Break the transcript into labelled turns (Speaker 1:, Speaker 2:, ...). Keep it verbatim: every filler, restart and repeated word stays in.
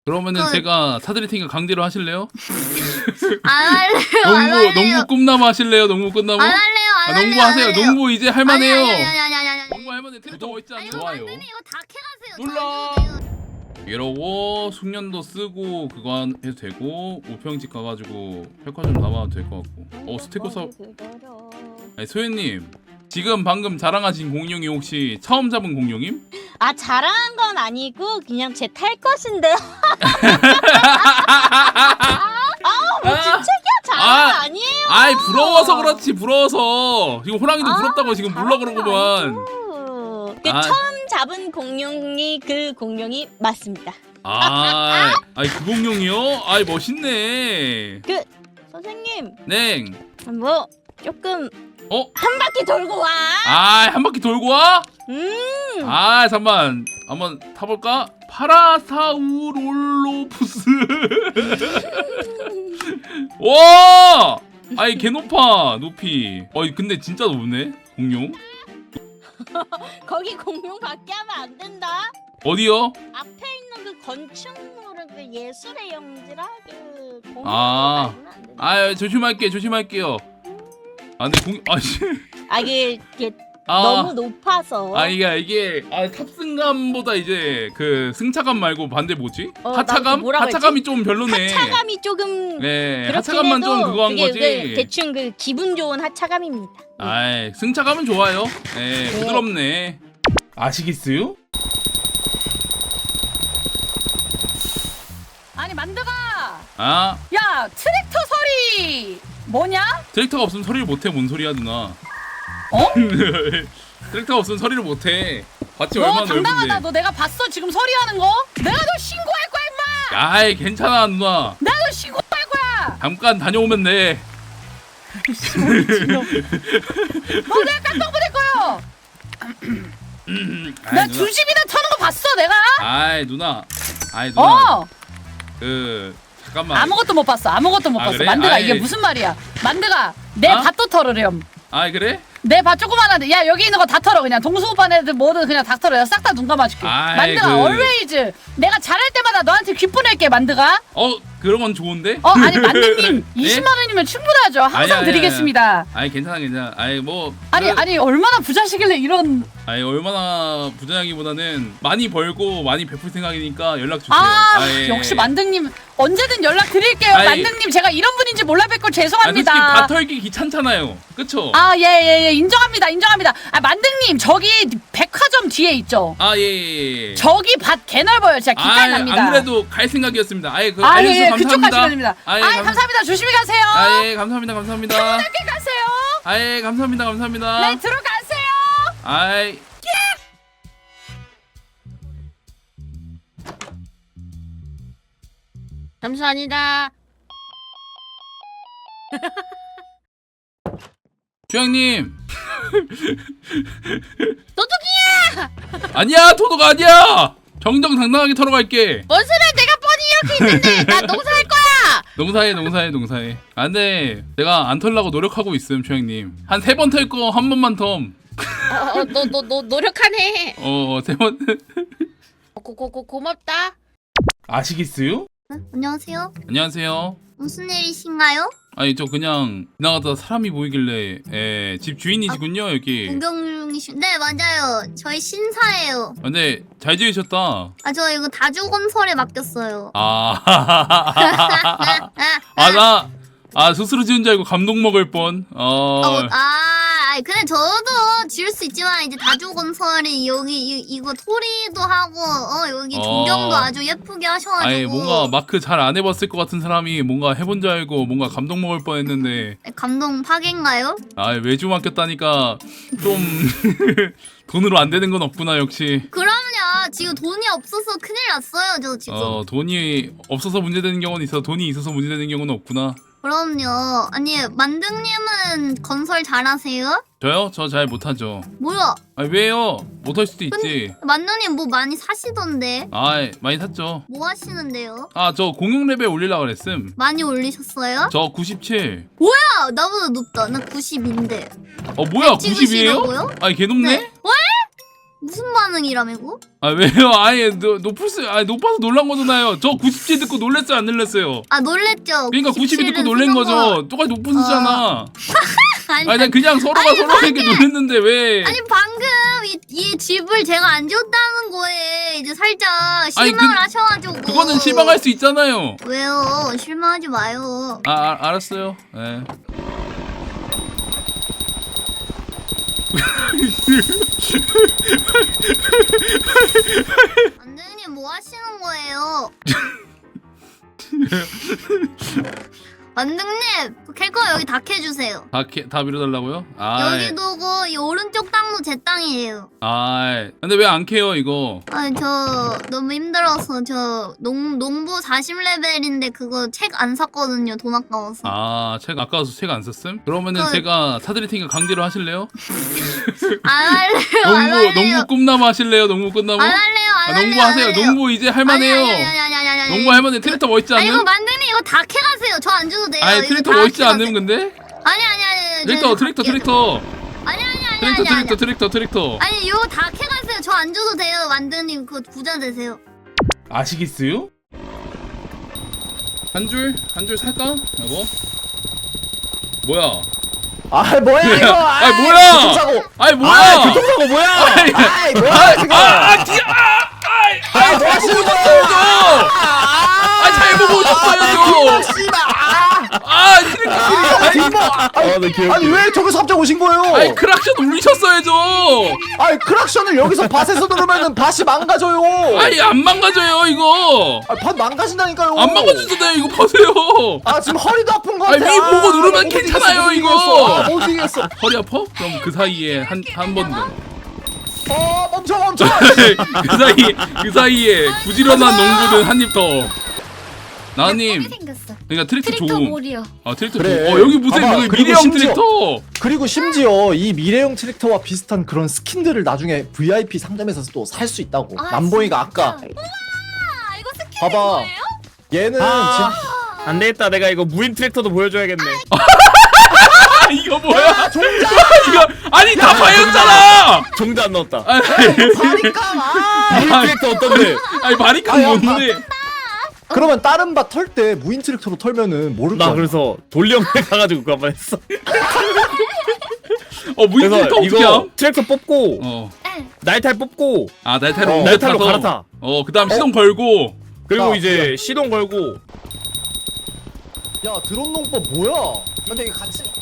Speaker 1: 그러면은
Speaker 2: 그-
Speaker 1: 제가 사드릴 테니까 강제로 하실래요?
Speaker 2: 안 할래요. 안
Speaker 1: 농구
Speaker 2: 할래요.
Speaker 1: 농구 꿈나무 하실래요? 농구 꿈나무?
Speaker 2: 안 할래요. 안
Speaker 1: 아,
Speaker 2: 할래요.
Speaker 1: 농구
Speaker 2: 안
Speaker 1: 하세요.
Speaker 2: 할래요.
Speaker 1: 농구 이제 할만해요.
Speaker 2: 아니 아니 아니 아니 아니 아니.
Speaker 1: 농구 할만해. 트랙터 멋있지
Speaker 2: 아니,
Speaker 1: 않아?
Speaker 2: 이거
Speaker 1: 좋아요.
Speaker 2: 만드님 이거 다 캐가세요.
Speaker 1: 눌러.
Speaker 2: 저 안 해도 돼요.
Speaker 1: 이러고 숙련도 쓰고 그거 해도 되고 우평집 가가지고 백화 좀 담아도 될 것 같고. 어 스테고 사. 아니 소연님 지금 방금 자랑하신 공룡이 혹시 처음 잡은 공룡임?
Speaker 3: 아 자랑한 건 아니고 그냥 제 탈 것인데요. 아뭐 진짜야 자랑
Speaker 1: 아,
Speaker 3: 아니에요.
Speaker 1: 아이 부러워서 그렇지 부러워서 지금 호랑이도
Speaker 3: 아,
Speaker 1: 부럽다고 지금 물러 그러구만.
Speaker 3: 그
Speaker 1: 아.
Speaker 3: 처음 잡은 공룡이 그 공룡이 맞습니다.
Speaker 1: 아, 아이 그 공룡이요? 아이 멋있네.
Speaker 3: 그 선생님
Speaker 1: 네.
Speaker 3: 뭐 조금
Speaker 1: 어?
Speaker 3: 한 바퀴 돌고 와.
Speaker 1: 아, 한 바퀴 돌고 와?
Speaker 3: 음.
Speaker 1: 아, 잠만. 한번 타볼까? 파라사우롤로푸스. 와! 아이 개 높아 높이. 어이 근데 진짜 높네 공룡.
Speaker 3: 거기 공룡 밖에 하면 안 된다.
Speaker 1: 어디요?
Speaker 3: 앞에 있는 그 건축물은 그 예술의 영지라 그 공룡
Speaker 1: 아.
Speaker 3: 말고는 안 된다.
Speaker 1: 아 조심할게 조심할게요. 아 근데 공 아씨.
Speaker 3: 아 이게, 이게
Speaker 1: 아.
Speaker 3: 너무 높아서.
Speaker 1: 아 이게 이게 아 탑승감보다 이제 그 승차감 말고 반대 뭐지?
Speaker 3: 어,
Speaker 1: 하차감?
Speaker 3: 나도 뭐라고
Speaker 1: 하차감이 좀 별로네.
Speaker 3: 하차감이 조금
Speaker 1: 네,
Speaker 3: 그렇긴
Speaker 1: 하차감만
Speaker 3: 해도
Speaker 1: 좀 그거 한
Speaker 3: 그게
Speaker 1: 거지.
Speaker 3: 그 대충 그 기분 좋은 하차감입니다.
Speaker 1: 아이 승차감은 좋아요. 네,
Speaker 3: 네.
Speaker 1: 부드럽네. 아시겠어요?
Speaker 4: 아니 만드가
Speaker 1: 아
Speaker 4: 야 트랙터 소리 뭐냐?
Speaker 1: 트랙터가 없으면 소리를 못해. 뭔 소리야 누나?
Speaker 4: 어?
Speaker 1: 트랙터가 없으면 소리를 못해. 봤지
Speaker 4: 너
Speaker 1: 얼마나
Speaker 4: 당당하다.
Speaker 1: 넓은데.
Speaker 4: 너 내가 봤어 지금 소리하는 거? 내가 너 신고할 거야 임마.
Speaker 1: 아이 괜찮아 누나.
Speaker 4: 내가 너 신고할 거야.
Speaker 1: 잠깐 다녀오면 돼.
Speaker 4: 너 내가 깜빡 보낼 거야.
Speaker 1: 아이,
Speaker 4: 나
Speaker 1: 누나.
Speaker 4: 두 집이나 터는 거 봤어 내가.
Speaker 1: 아이 누나. 아이 누나.
Speaker 4: 어
Speaker 1: 그 잠깐만.
Speaker 4: 아무것도 못 봤어. 아무것도 못
Speaker 1: 아,
Speaker 4: 봤어.
Speaker 1: 그래?
Speaker 4: 만드가
Speaker 1: 아이.
Speaker 4: 이게 무슨 말이야? 만드가 내
Speaker 1: 어?
Speaker 4: 밭도 털으렴.
Speaker 1: 아이 그래?
Speaker 4: 내 밭 조그만한데 야 여기 있는 거 다 털어 그냥 동수 오빠네들 뭐든 그냥 다 털어. 싹 다 눈 감아줄게.
Speaker 1: 아이,
Speaker 4: 만드가
Speaker 1: 그-
Speaker 4: always 내가 잘할 때마다 너한테 귓보낼게 만드가.
Speaker 1: 어 그런 건 좋은데?
Speaker 4: 어 아니 만드님
Speaker 1: 예?
Speaker 4: 이십만 원이면 충분하죠. 항상
Speaker 1: 아니, 아니,
Speaker 4: 드리겠습니다.
Speaker 1: 아이 괜찮아 괜찮아. 아이 뭐
Speaker 4: 아니
Speaker 1: 그-
Speaker 4: 아니 얼마나 부자시길래 이런.
Speaker 1: 아니 얼마나 부자냐기보다는 많이 벌고 많이 베풀 생각이니까 연락 주세요.
Speaker 4: 아
Speaker 1: 예.
Speaker 4: 역시 만등님 언제든 연락 드릴게요.
Speaker 1: 아이.
Speaker 4: 만등님 제가 이런 분인지 몰라 뵙고
Speaker 1: 아, 솔직히
Speaker 4: 죄송합니다.
Speaker 1: 밭 털기 귀찮잖아요. 그쵸?
Speaker 4: 아 예 예 예 인정합니다 인정합니다. 아 만등님 저기 백화점 뒤에 있죠.
Speaker 1: 아 예. 예, 예.
Speaker 4: 저기 밭 개 넓어요. 진짜 기깔 납니다.
Speaker 1: 안 그래도 갈 생각이었습니다. 아예 그
Speaker 4: 아, 예,
Speaker 1: 알려주셔서
Speaker 4: 예,
Speaker 1: 감사합니다.
Speaker 4: 그쪽 가시면 됩니다.
Speaker 1: 아, 예,
Speaker 4: 아,
Speaker 1: 감-
Speaker 4: 감사합니다. 조심히 가세요.
Speaker 1: 아, 예, 감사합니다. 감사합니다.
Speaker 4: 편하게 가세요.
Speaker 1: 아, 예, 감사합니다. 감사합니다.
Speaker 4: 네, 들어가세요.
Speaker 1: 아이.
Speaker 3: 감사합니다.
Speaker 1: 주양님.
Speaker 3: 도둑이야!
Speaker 1: 아니야, 도도가 아니야. 정정당당하게 털어갈게.
Speaker 3: 뭔 소리야? 내가 뻔히 이렇게 있는데 나 농사할 거야.
Speaker 1: 농사해, 농사해, 농사해. 아, 근데 내가 안 털라고 노력하고 있음, 주양님. 한 세 번 털 거 한 번만 텀.
Speaker 3: 어너너 너, 너 노력하네.
Speaker 1: 어, 세 번.
Speaker 3: 고고고 고맙다.
Speaker 1: 아시겠어요?
Speaker 2: 응? 안녕하세요.
Speaker 1: 안녕하세요.
Speaker 2: 무슨 일이신가요?
Speaker 1: 아니 저 그냥 지나가다 사람이 보이길래 예, 집 주인이시군요 여기.
Speaker 2: 구경 중이신. 네 맞아요. 저희 신사예요.
Speaker 1: 아, 근데 잘 지으셨다.
Speaker 2: 아 저 이거 다주건설에 맡겼어요.
Speaker 1: 아, 아 나 아 스스로 지은 줄 알고 감동 먹을 뻔. 어,
Speaker 2: 어, 아, 아이, 근데 저도 지을 수 있지만 이제 다주건설이 여기 이, 이거 토리도 하고 어 여기
Speaker 1: 어.
Speaker 2: 조경도 아주 예쁘게 하셔가지고.
Speaker 1: 아니 뭔가 마크 잘 안 해봤을 것 같은 사람이 뭔가 해본 줄 알고 뭔가 감동 먹을 뻔했는데
Speaker 2: 감동 파괴인가요?
Speaker 1: 아 외주 맡겼다니까 좀 돈으로 안 되는 건 없구나 역시.
Speaker 2: 그럼요. 지금 돈이 없어서 큰일 났어요. 저 지금.
Speaker 1: 어 돈이 없어서 문제되는 경우는 있어 돈이 있어서 문제되는 경우는 없구나.
Speaker 2: 그럼요. 아니 만등님은 건설 잘하세요?
Speaker 1: 저요? 저 잘 못하죠.
Speaker 2: 뭐야?
Speaker 1: 아 왜요? 못할 수도 있지.
Speaker 2: 만등님 뭐 많이 사시던데?
Speaker 1: 아 많이 샀죠.
Speaker 2: 뭐 하시는데요?
Speaker 1: 아 저 공룡 레벨 올리려고 그랬음.
Speaker 2: 많이 올리셨어요?
Speaker 1: 저 구십칠.
Speaker 2: 아, 나보다 높다. 나 구십인데.
Speaker 1: 어 뭐야
Speaker 2: 찍으시려고요?
Speaker 1: 구십이에요? 아니 개 높네?
Speaker 2: 네. 왜? 무슨 반응이라매고?
Speaker 1: 아 왜요? 아예 노, 높을 수, 아 높아서 놀란 거잖아요. 저 구십칠 듣고 놀랬어요, 안 놀랬어요?
Speaker 2: 아 놀랬죠.
Speaker 1: 그러니까 구십이 듣고 놀란 거죠. 똑같이 높은 수잖아.
Speaker 2: 아니,
Speaker 1: 아니 난 그냥 서로가
Speaker 2: 아니,
Speaker 1: 서로에게 놀랬는데 왜?
Speaker 2: 아니 방금 이, 이 집을 제가 안 지었다는 거에 이제 살짝
Speaker 1: 아니,
Speaker 2: 실망을
Speaker 1: 그-
Speaker 2: 하셔가지고.
Speaker 1: 그거는 실망할 수 있잖아요.
Speaker 2: 왜요? 실망하지 마요.
Speaker 1: 아, 아 알았어요. 네.
Speaker 2: 안대님 뭐 하시는 거예요? 만등님 캘거 여기 다 캐주세요.
Speaker 1: 다, 캐, 다 밀어달라고요? 아,
Speaker 2: 여기도 그 이 오른쪽 땅도 제 땅이에요.
Speaker 1: 아, 근데 왜 안 캐요 이거?
Speaker 2: 아니 저 너무 힘들어서 저 농, 농부 사십 레벨인데 그거 책 안 샀거든요. 돈 아까워서.
Speaker 1: 아, 책 아까워서 책 안 썼음? 그러면은
Speaker 2: 그-
Speaker 1: 제가 사드릴 테니까 강제로 하실래요?
Speaker 2: 안 할래요. 안
Speaker 1: 농부,
Speaker 2: 할래요.
Speaker 1: 농부 꿈나무 하실래요? 농부 꿈나무?
Speaker 2: 안 할래요. 안
Speaker 1: 아,
Speaker 2: 할래요.
Speaker 1: 농부
Speaker 2: 안
Speaker 1: 하세요.
Speaker 2: 할래요.
Speaker 1: 농부 이제
Speaker 2: 아니,
Speaker 1: 할만해요.
Speaker 2: 아니, 아니, 아니, 아니, 아니, 아니.
Speaker 1: 농부 할만해. 트랙터 멋있지
Speaker 2: 아니 이거
Speaker 1: 않음?
Speaker 2: 만등님 이거 다 캐가세요. 저 안 줘도 돼요.
Speaker 1: 아니
Speaker 2: 이거
Speaker 1: 트랙터
Speaker 2: 다
Speaker 1: 멋있지
Speaker 2: 캐가세요.
Speaker 1: 않음 근데?
Speaker 2: 아니 아니 아니.
Speaker 1: 트랙터
Speaker 2: 저
Speaker 1: 트랙터
Speaker 2: 갈게요.
Speaker 1: 트랙터
Speaker 2: 아니 아니 아니
Speaker 1: 트랙터
Speaker 2: 아니 아니.
Speaker 1: 트랙터 트랙터 트랙터
Speaker 2: 아니 이거 다 캐가세요. 저 안 줘도 돼요. 만드님 그거 부자 되세요.
Speaker 1: 아시겠어요? 한 줄? 한 줄 살까? 여보? 뭐야?
Speaker 5: 아 뭐야 이거?
Speaker 1: 아이, 뭐야?
Speaker 5: 교통사고.
Speaker 1: 아니 뭐야?
Speaker 5: 아 교통사고 뭐야?
Speaker 1: 아이,
Speaker 5: 아이 뭐야 지금?
Speaker 1: 아, 아, 뒤, 아, 아이,
Speaker 5: 아, 뭐 하시는 거예요?
Speaker 1: 아, 잘 보고 오셨어요, 저.
Speaker 5: 씨발.
Speaker 1: 아, 트랙터
Speaker 5: 뒷모. 아니, 아니 왜 저기서 갑자기 오신 거예요?
Speaker 1: 아니, 크락션 울리셨어야죠.
Speaker 5: 아니 크락션을 여기서 밭에서 누르면은 밭이 망가져요.
Speaker 1: 아니, 안 망가져요, 이거.
Speaker 5: 아, 밭 망가진다니까요.
Speaker 1: 안 망가지잖아요, 이거 보세요.
Speaker 5: 아 지금 허리도 아픈 거
Speaker 1: 아니,
Speaker 5: 같아.
Speaker 1: 위 보고 누르면
Speaker 5: 못
Speaker 1: 괜찮아요,
Speaker 5: 이기겠어,
Speaker 1: 이거.
Speaker 5: 못 이기겠어. 아, 못 이기겠어.
Speaker 1: 허리 아파? 그럼 그 사이에 한, 한 번 더.
Speaker 5: 어 멈춰 멈춰.
Speaker 1: 그 사이, 그 사이에 부지런한 농부는 한 입 더. 나님,
Speaker 2: 생겼어.
Speaker 1: 그러니까 트랙터
Speaker 2: 트랙터
Speaker 1: 좋음.
Speaker 2: 몰이요.
Speaker 1: 아, 트랙터
Speaker 5: 그래.
Speaker 1: 좋음. 어, 여기 무슨
Speaker 5: 봐봐,
Speaker 1: 그
Speaker 5: 그리고
Speaker 1: 미래형
Speaker 5: 심지어-
Speaker 1: 트랙터.
Speaker 5: 그리고 심지어 이 미래형 트랙터와 비슷한 그런 스킨들을 나중에 브이아이피 상점에서 또 살 수 있다고.
Speaker 2: 아,
Speaker 5: 남보이가
Speaker 2: 진짜?
Speaker 5: 아까
Speaker 2: 아 이거 스킨
Speaker 5: 봐봐.
Speaker 2: 거예요?
Speaker 5: 얘는
Speaker 6: 아.
Speaker 5: 지금
Speaker 6: 안 되겠다. 내가 이거 무인 트랙터도 보여줘야겠네.
Speaker 1: 아, 이거 뭐야? 이거 아니 다 파였잖아.
Speaker 6: 종자 안 넣었다.
Speaker 1: 아니,
Speaker 5: 바리깡 아.
Speaker 6: 무인 트랙터 어떤데?
Speaker 1: 아니 마리카
Speaker 5: 아야,
Speaker 1: 뭔데?
Speaker 5: 그러면 다른 밭 털 때 무인 트랙터로 털면은 모를
Speaker 6: 나
Speaker 5: 거야.
Speaker 6: 그래서 돌령에 가가지고 그거 한번 했어.
Speaker 1: 어 무인
Speaker 6: 그래서
Speaker 1: 트랙터 어떻게
Speaker 6: 이거
Speaker 1: 함?
Speaker 6: 트랙터 뽑고
Speaker 1: 어.
Speaker 6: 날탈 뽑고
Speaker 1: 아 날타로
Speaker 5: 어,
Speaker 1: 옮겨
Speaker 6: 날탈로
Speaker 1: 타서.
Speaker 6: 갈아타.
Speaker 1: 어 그다음 시동 걸고.
Speaker 6: 그리고
Speaker 5: 야,
Speaker 6: 이제 시동 걸고
Speaker 5: 야 드론 농법 뭐야? 근데 이게 같이